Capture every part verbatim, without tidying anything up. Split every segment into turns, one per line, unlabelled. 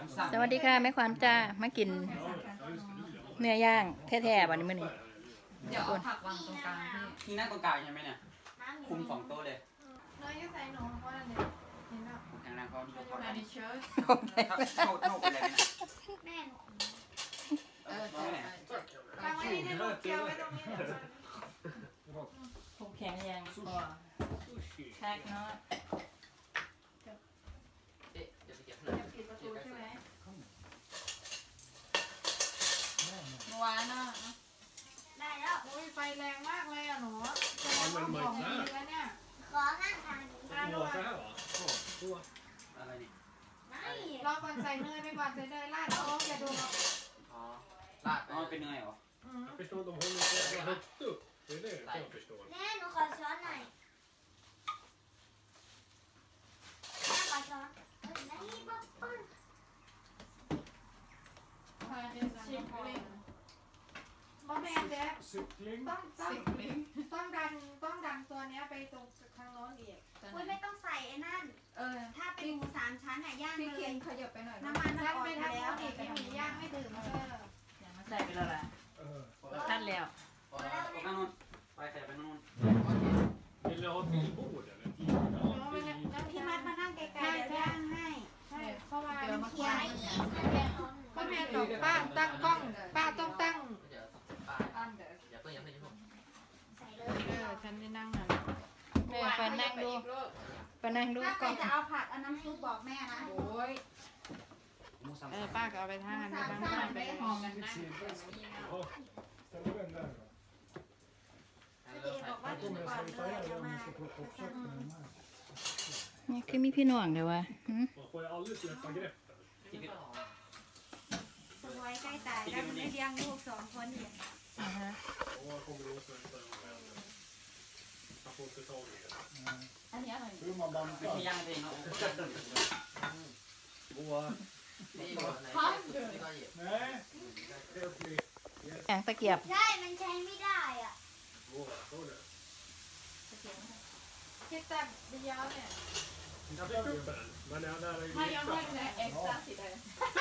สวัสดีค่ะแม่ขวัญจ้ามากินเนื้อย่างแท้ๆวันนี้มื้อนี้
เดี๋ยวเอาผักวางตรงกลางพี่
นี่นั่งตรงกลางใช่ไหมเนี่ยคุมสองโต๊ะเลย
น้อยก็ใส่หนูเพราะอะไรเนี่ยเห็นป่ะ
แข็งแรงเขาดูเขา
มาในเชิ้ต
เข้าเข้าไปเลยนะ
แม่หนู
เออใช่
วางไว้นี่นะเกี่ยวไว้ตรงนี้เดี๋ยว
ผมแข็งยังพอแท็กเนาะ
เอ๊ะเดี๋ยวไปเก็บหน่อย
ปิดประตูใช่ไหมเมื่อวานน่ะ
ได้แล้ว
โอ้ยไฟแรงมากเลยอ่ะหนูจะเอาของดีแล้วเนี่ย
ขอข้างทาง
มาด้วย
อะไรนี่
ไม่
รอก่อนใส่เนยไปก่อนใส่เนยราดโอ้อย่าดู
อ๋อลาดอ๋อเป็นเนยเหรอ
Jag förstår inte om hon inte har högt upp. Det är det jag förstår.
แม่หนูขอช้อนหน่อยแม่ขอช้อนได้ป๊อปป๊อป
บอแมนเด็ก
Cykling.
ต้องต้องต้องดันต้องดันตัวเนี้ยไปตรงทางโน้นอีก
อุ้ยไม่ต้องใส่ไอ้นั่น
เออ
ถ้าเป็นหมูสามชั้นน่ะย่างเลย
ขยับไปหน่อย
น้ำมันมันออก
ไป
ไป
ทาง
แล้
โน้
วน
อีกให้หมูย่างไม่ถึงเออ
อย่ามาใส่ไปแล้วล่ะทันแล้ว
นั่งนู่นไปขยับไปนู่น
Vill du ha ett till bord eller?
พี่มัดมานั่งไกลๆเดี๋ยวย่างให้
ใช่เพราะว่า
เคี้ยว
ป้าแมนบอกป้าตั้งกล้องป้าต้องตั้ง
เดี๋ยวป้าอย่าเพิ่งอย่าเพิ่งอย่าเพิ่ง
ใส่เลย
เออฉันได้นั่งน่ะ
แม่ไปนั่งดูไปนั่งดู
ถ้าใค
ก่
ร
อน
จะเอาผักเอาน้ำซุปบอกแม่นะ
โอ้ยเออป้าก็เอาไปทางนั้นไปทางนั้นไปหอมกันนะ
Ja, ställer du den där då?
เจบอกว่ากินก่อนเลยเดี๋ยวมา
นี่คือมีพี่น้องเดี๋ยววะ
Man får ju aldrig släppa greppet.
สวยใกล้ตายแล้วไม่เลี้ยงลูกสองคนอีก
อ่าฮะ
Och jag kommer ihåg sen för en Jag får inte tag i det.
อันนี้อร่อย
Hur man
ไม่ใช่ย่างเองเนาะ
Boa.
นี่พร้อมนี่ก็หยิบ
Nej, helt nytt.
แข็งตะเกียบ
ใช่มันใช้ไม่ได้อ่ะ
Boa, såg du?
คิดแต่เดียวเนี่ย
Jag fick upp den, men jag där är
ถ้ายังไม่
lite.
เนี่ยเอ็กซ์ตร้าสิเลย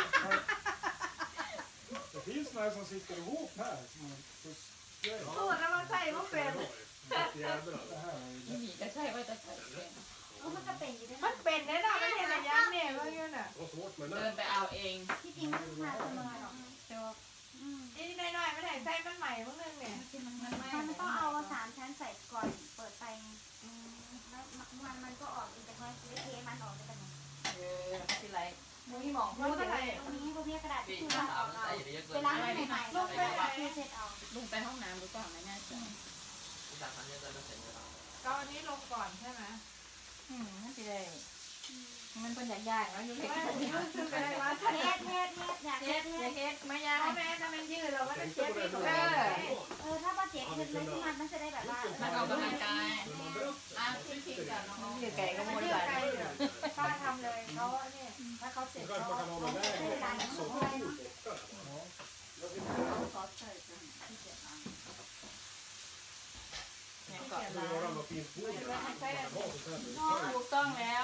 Det finns några som sitter ihop här. Som man, så,
พูดแล้วมันใส่พวกเป็น
jävlar. Det här är
มีก็ใช่ว่าจะใส่เป็น
โอ้มันก็เป็นอยู่ด้วย
มันเป็นแน่นอนมันเห็นระยะเนี่ยว่าอยู่น่ะ
det var svårt med
เดิ
den.
นไปเอาเอง
ที่จริงมันมาเสมอหรอก
เดี๋ยวนี่น้อยๆไม่ได้ใส่มันใหม่พวกนึงเนี่ย
มันต้องเอาสามชั้นใส่ก่อนเปิดไฟแล้วมันมันก็ออกแต่ค่อยเทมันออกไปแต่ไหน
เออที่ไรมุ้ยหมองพูดอะไร
ตรงนี้พวกนี้กระดาษ
พี่
ที่
ถ้า
เรา
สาว
ออก
มัน
เอา
ใส่อย่าไปเยอะเกิน
เวลาให้ใหม่ๆลงไปคือเสร็จเอา
ลุงไปห้องน้ำหรือเปล่าไม่แน่ใจ
พี่สาวมันเยอะเกินแล้วเสร็จเลย
ก็อันนี้ลงก่อนใช่ไหม
อืมนั่นสิได้มันเป็นอย่างยากแล้วอยู่เล็ก
ไม่รู้สึกอะไรวะ
เทสเทสเทสอยากเท
เฮ็
ส
ด
เทส
เฮ็ดไม่ยาก
พ่อแม่จะเป็นยืดเราก็จะเช็ดให้ดู
เอ
เออถ้าป้าเจ๊เทสเลยที่มันมันจะได้แบบว่า
มันออกกำลังกายอ่ะพี่พิงกับน้อง
อยู่ไก่ก็
มัน
มวย
ยื
ไห
ด
ล
ไกลอยู่ป้าทำเลยเขาเนี่ยถ้าเขาเสร็จ
Du
เขา
kanske kan ha den där så fort borta.
ซอสใส่กันที่เจ็บอ่ะ
เนี่ย
Det
เกาะ
skulle
ล้าง
vara något fint bord. där. Man kan ha sånt här med.
ถูกต้องแล้ว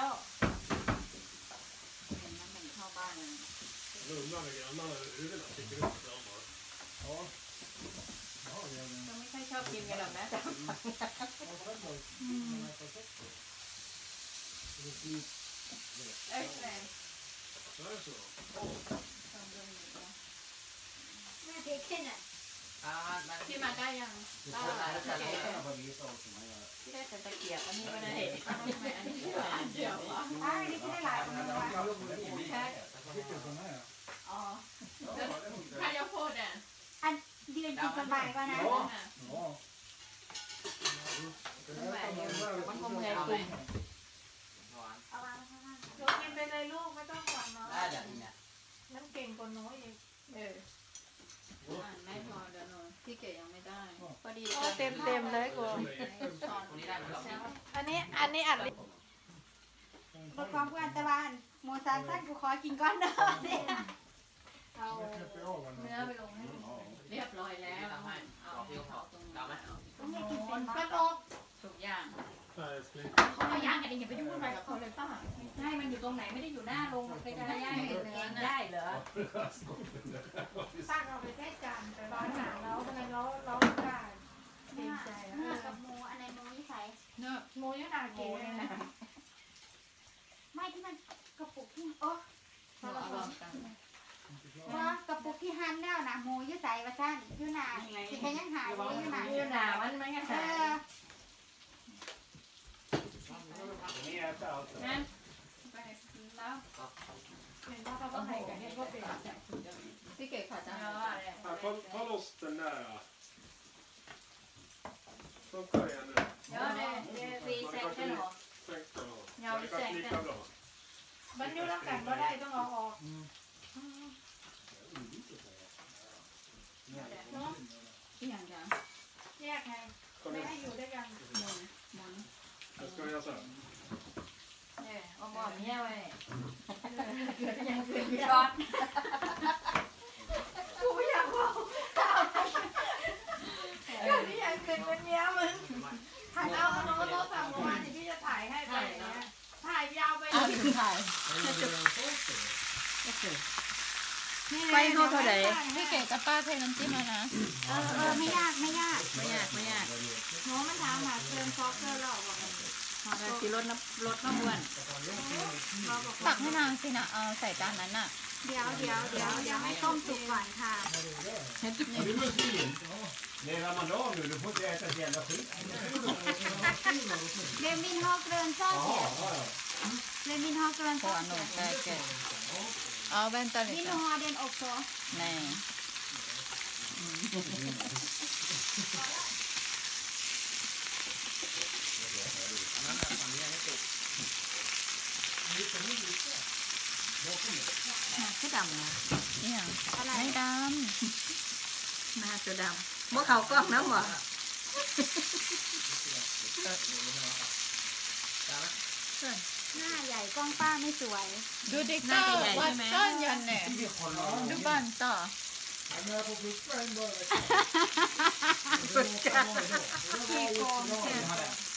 เข้าบ้านเลย
Lugna med grannarna över huvudena. Sticker upp fram bara. Ja. Ja, det är det.
เราไม่ค่อยชอบกินกันหรอกนะ
Ja, sen då. Den är perfekt. Det är fint.
เอ้ยแรง
Så här så.
แม่เทสขึ้นอ่ะ
อ่ามัน
พี่มาได้ยัง
ได้แล้วแต่เรา
ที่ได้แต่ตะเกียบอันนี้ไม่ได้
อันนี้เดี๋ยววะ
อ่าอันนี้ไม่ได้หลายคนเลยว่ะ
Vilken sån här?
อ๋อถ้าจะพูดอ่ะ
อันยืนกินสบายกว่านะ
Ja.
มันคงเมื่อย
เอาไหม
ปุ่ม
หวาน
เอาวางข้างล่าง
ลูกกินไปเลยลูกไม่ต้องห่วงเนาะ
ได้เดี๋ยวนี้เนี่ย
นั่นเก่งกว่าน้อยอีกเออ
ไม่พอเดี๋ยวหนูพี่เก๋ยังไม่ได้พอดี
โอ้เต็มเต็มเลยกู
ตรงนี้ได้ไหมครับ
อันนี้อันนี้อัด
ลดความอ้วนแต่ว่าหมูสามชั้นกูขอกินก้อนเดิมเนี่ย
เอาเนื้อไปลงให้เรียบร้อยแล้ว
ทำให้เอาที่เขาเอาไหม
ต้องให้กินเป็น
กระ
บ้า
โดก
ทุกอย่าง
Nej, älskling.
เขามาย่างกันเองอย่าไปยุ่งอะไรกับเขาเลยป้า
ให้มันอยู่ตรงไหนไม่ได้อยู่หน้าลงไปจะย่างเห็นเองได้เหรอ
ป้าเอาไปแค่จานไปร้อนหนาแล้วทำไมเราเราได้เต็มใจ
เนื้อกับหมูอันไหนหมูนี่ใส่
เนื้อหมูยังหนาเก๋เลยนะ
ไม่ที่มันกระปุกที่โอ้
เราลองกัน
ว่ากระปุกที่หั่นแล้วนะหมูอยืดใส่ว่าซั่นอยืดหนาสิแค่ยังหายอยู่ยืดหนา
ยืนหนามันไม่งั้น
เออ
Ni äter allt.
นั่นไปแล้วเห็นว่าเขาต้องให้กันเห็นว่าเป็นพี่เก๋ขอจ้า
Ja, ta, ta loss den där. Funkar det nu?
Ja, det, det vi säkert då.
Sänk den då.
Ja, vi
Det kanske
sänker
lika bra.
มันอยู่แล้วกันก็ได้ต้องเอาออกเนาะ
อีหยังจ้ะ
แยกไง
Kom
ไม่
igen.
ให้อยู่ด้วยกัน
Nu ska vi göra så här.
เออเอาหม้อเมียไว้เกิดยังเกิดช็อต
กูไม่อยากบอกเออที่ยังเกินวันนี้มึงถ่ายเอาโน้ตโน้ตสั่งเมื่อวานที่พี่จะถ่ายให้ไปอย่างเงี้ยถ่ายยาวไป
เอาถึงถ่ายไปเข้าเท่าไหร่
พี่เก๋จะป้าเทน้ำจิ้มแล้วนะ
เออเออไม่ยากไม่ยาก
ไม่ยากไม่ยาก
โหมันถามหาเติมซอสเกลือหรอกบอกเลย
เราสิลดน้ำลดน้ำอ้วน
ตักให้นางสินะเอาใส่จานนั้นน่ะ
เดี๋ยวเดี๋ยวเดี๋ยวเดี๋ยวให้ต้มสุกก่อนค่ะ
Det är ramadan nu, du får inte äta ett jävla skit.
เรมินฮอกเกินซ่าเสียเรมินฮอกเกิน
พอ
ซ่า
หนู
เสีย
แกแกเอาแว่นตาลิ
มิน
ตา
ฮอเดนอกโซ
แน่
คือดำนะ
นี่หยัง
อะไร
ไม่ด
หน้าตัวดำบ่เขากล้องน้ำหรอหน้าใหญ่กล้องป้าไม่สวย
ดูดิเก้าวัดต้นยันเนี่ยดูบ้านต่อ
ขี้โกง